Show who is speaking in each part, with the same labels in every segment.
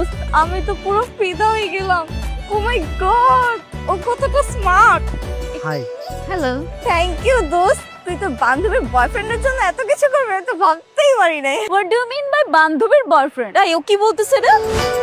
Speaker 1: দোস্ত আমি তো পুরো ফিদা হয়ে গেলাম। ও মাই গড, ও কতটা smart.
Speaker 2: Hi.
Speaker 1: Hello, thank you দোস্ত। তুই তো বান্ধবীর বয়ফ্রেন্ডের জন্য এত কিছু করবি আমি তো ভাবতেই পারি নাই। What do you mean by বান্ধবীর বয়ফ্রেন্ড? এই ও কি বলতেছে রে?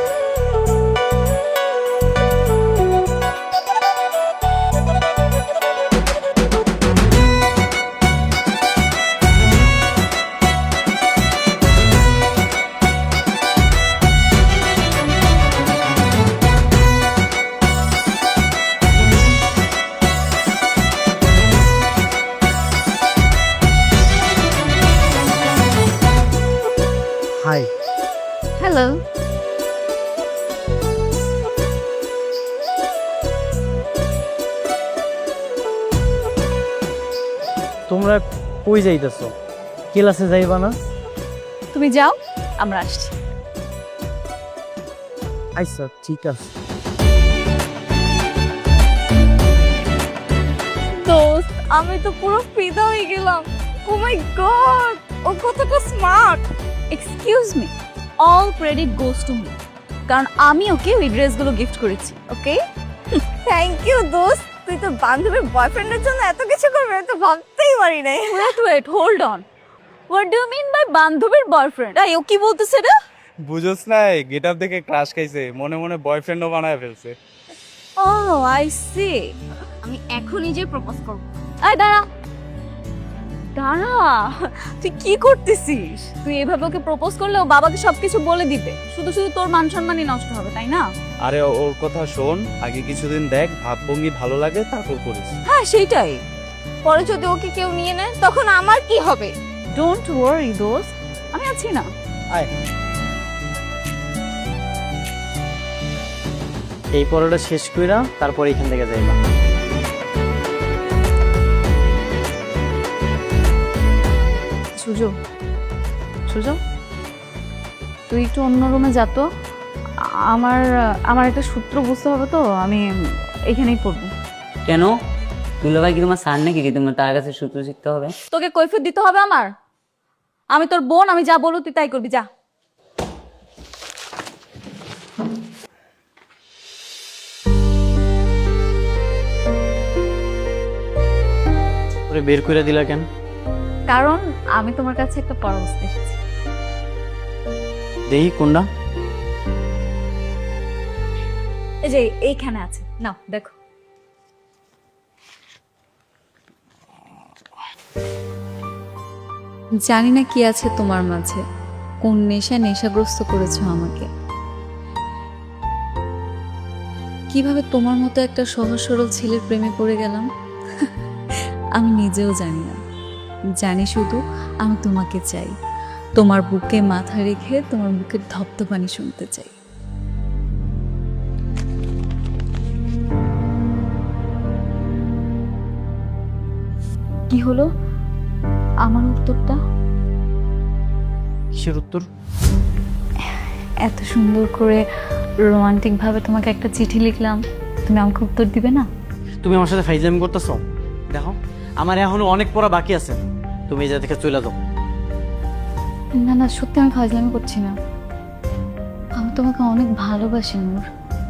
Speaker 2: হাই।
Speaker 1: হ্যালো।
Speaker 2: তোমরা কই যাইতেছো? ক্লাসে যাইবা না?
Speaker 1: তুমি যাও, আমরা আসছি।
Speaker 2: আচ্ছা ঠিক আছে।
Speaker 1: দোস্ত আমি তো পুরো ফিদা হয়ে গেলাম। ও মাই গড, ও কতটা smart. Excuse me, all credit goes to me, কারণ আমি ওকে ওই ড্রেসগুলো গিফট করেছি। ওকে, থ্যাংক ইউ দোস্ত। তুই তো বান্ধবীর বয়ফ্রেন্ডের জন্য এত কিছু করবি আমি তো ভাবতেই পারি নাই। Wait hold on, what do you mean by বান্ধবীর বয়ফ্রেন্ড? এই ও কি বলতেছে রে?
Speaker 3: বুঝোস না, গেট আপ দেখে ক্রাশ খাইছে, মনে মনে বয়ফ্রেন্ডও বানায় ফেলছে।
Speaker 1: Oh I see. আমি এখনই যে প্রপোজ করব। আয় দাঁড়া দাঁড়া, তুই কি করতেছিস? তুই এভাবে ওকে প্রপোজ করলে ও বাবাকে সবকিছু বলে দিবে, শুধু শুধু তোর মান সম্মানই নষ্ট হবে, তাই না?
Speaker 3: আরে ওর কথা শোন, আগে কিছুদিন দেখ, ভাবভঙ্গি ভালো লাগে তারপর করিস।
Speaker 1: হ্যাঁ সেইটাই। পরে যদি ওকে কেউ নিয়ে নেয় তখন আমার কি হবে? ডোন্ট ওয়ারি দোস্ত, আমি আছি না।
Speaker 2: আয়। এই পড়াটা শেষ কইরা তারপর এখান থেকে যাইবা।
Speaker 1: সুজো, সুজো তুই একটু অন্য রুমে যা তো। আমার আমার একটা সূত্র বুঝতে হবে তো, আমি এখানেই পড়বো।
Speaker 4: কেন? দুলাভাই কি তোমার স্যার নাকি যে তোমার তার কাছে সূত্র শিখতে হবে?
Speaker 1: তোকে কৈফিয়ত দিতে হবে আমার? আমি তোর বোন, আমি যা বলবো তুই তাই করবি, যা।
Speaker 2: ওরে বের কইরা দিলা কেন?
Speaker 1: কারণ আমি তোমার কাছে একটা পরামর্শ এসেছি।
Speaker 2: দেহি কোনটা?
Speaker 1: এই যে এইখানে আছে, নাও দেখো।
Speaker 5: জানি না কি আছে তোমার মাঝে, কোন নেশাগ্রস্ত করেছো আমাকে। কিভাবে তোমার মতো একটা সহজ সরল ছেলের প্রেমে পড়ে গেলাম আমি নিজেও জানি না। জানি শুধু আমি তোমাকে চাই, তোমার বুকে মাথা রেখে তোমার বুকের ধপ্ধপানি শুনতে চাই। কি হলো আমার উত্তরটা?
Speaker 2: কিসের উত্তর?
Speaker 5: এত সুন্দর করে রোমান্টিক ভাবে তোমাকে একটা চিঠি লিখলাম, তুমি আমাকে উত্তর দিবে না?
Speaker 2: তুমি আমার সাথে ফাইজলামি করতেছো? দেখো আমার এখনো অনেক পড়া বাকি আছে, তুমি এই জায়গা থেকে চলে যাও।
Speaker 5: না না, সত্যি আমি ফাজলামি করছি না, আমি তোমাকে অনেক ভালোবাসি নূর।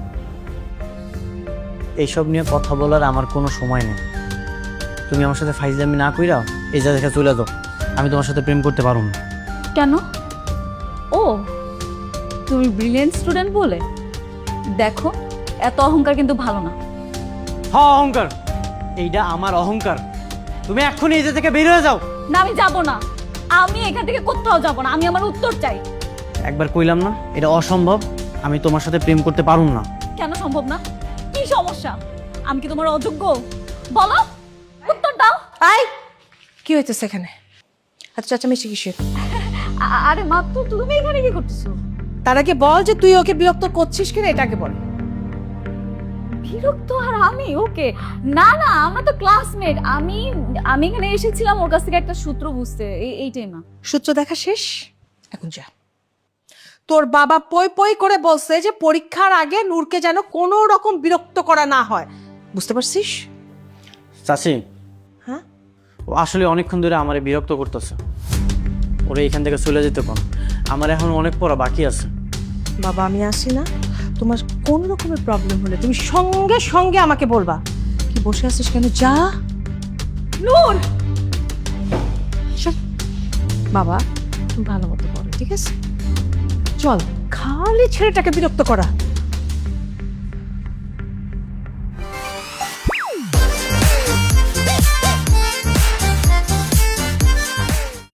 Speaker 2: এইসব নিয়ে কথা বলার আমার কোনো সময় নেই। তুমি আমার সাথে ফাইজলামি না কইরা এই জায়গা থেকে চলে যাও, আমি তোমার সাথে প্রেম করতে পারবো না।
Speaker 5: কেন? ও তুমি ব্রিলিয়েন্ট স্টুডেন্ট বলে? দেখো এত অহংকার কিন্তু ভালো না।
Speaker 2: হ্যাঁ অহংকার, এইটা আমার অহংকার। তুমি এক্ষুনি এই জায়গা থেকে বের হয়ে যাও।
Speaker 1: না আমি যাব না, আমি এখান থেকে কোথাও যাব না, আমি আমার উত্তর চাই।
Speaker 2: একবার কইলাম না এটা অসম্ভব, আমি তোমার সাথে প্রেম করতে পারুম না।
Speaker 1: কেন সম্ভব না? কি সমস্যা? আমি কি তোমার অযোগ্য? বলো, উত্তর দাও।
Speaker 6: আই কি হইতেছে এখানে? আচ্ছা চাচামেচি কিসের?
Speaker 1: আরে মা, তুমি এখানে কি করতেছো?
Speaker 6: তার আগে বল যে তুই ওকে বিরক্ত করছিস কিনা, এটাকে বল।
Speaker 1: বিরক্ত আর আমি? ওকে না না, আমরা তো ক্লাসমেট। আমি আমি এখানে এসেছিলাম ওর কাছ থেকে একটা সূত্র বুঝতে, এইটাই না।
Speaker 6: সূত্র দেখা শেষ, এখন যা। তোর বাবা পই পই করে বলছে যে পরীক্ষার আগে নূরকে যেন কোনো রকম বিরক্ত করা না হয়, বুঝতে পারছিস?
Speaker 2: চাচি,
Speaker 6: হ্যাঁ
Speaker 2: ও আসলে অনেকক্ষণ ধরে আমারে বিরক্ত করতেছে, ওরে এখান থেকে চলে যেতে কোন, আমার এখন অনেক পড়া বাকি আছে।
Speaker 6: বাবা আমি আসি না, তোমার কোন রকমের প্রবলেম হলে তুমি সঙ্গে সঙ্গে আমাকে বলবা। কি বসে আছিস কেন, যা। নূর চল। বাবা তুমি ভালো মতো করো, ঠিক আছে? চল, খালি ছেলেটাকে বিরক্ত করা।